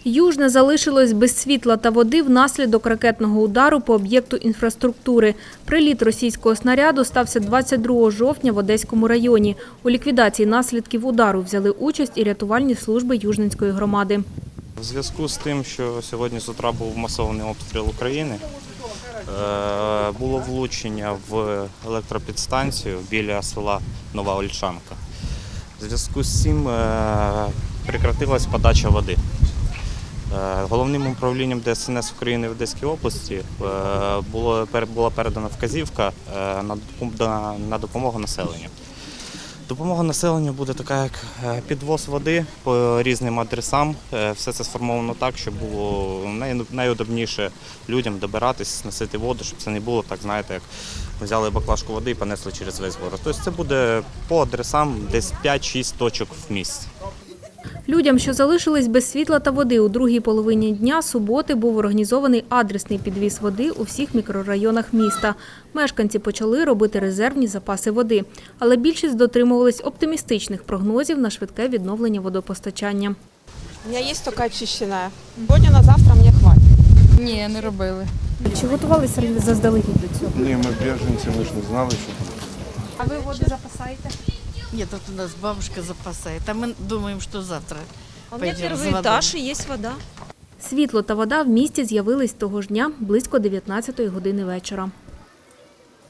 Южне залишилось без світла та води внаслідок ракетного удару по об'єкту інфраструктури. Приліт російського снаряду стався 22 жовтня в Одеському районі. У ліквідації наслідків удару взяли участь і рятувальні служби Южненської громади. В зв'язку з тим, що сьогодні з утра був масований обстріл України, було влучення в електропідстанцію біля села Нова Ольшанка. В зв'язку з цим прекратилась подача води. Головним управлінням ДСНС України в Одеській області була передана вказівка на допомогу населенню. Допомога населенню буде така, як підвоз води по різним адресам. Все це сформовано так, щоб було найудобніше людям добиратись, носити воду, щоб це не було так, знаєте, як взяли баклажку води і понесли через весь город. Тобто це буде по адресам десь 5-6 точок в місті. Людям, що залишились без світла та води, у другій половині дня суботи був організований адресний підвіз води у всіх мікрорайонах міста. Мешканці почали робити резервні запаси води. Але більшість дотримувались оптимістичних прогнозів на швидке відновлення водопостачання. У мене є тільки очищена. Сьогодні на завтра мені хватить. Ні, не робили. Чи готувалися заздалегідь до цього? Ні, ми біженці, ми ж не знали, що буде. А ви воду запасаєте? Нет, тут у нас бабушка запасает, а мы думаем, что завтра пойдем за Первый водой. этаж и есть вода. Світло та вода в місті з'явились того ж дня близько 19-ї години вечора.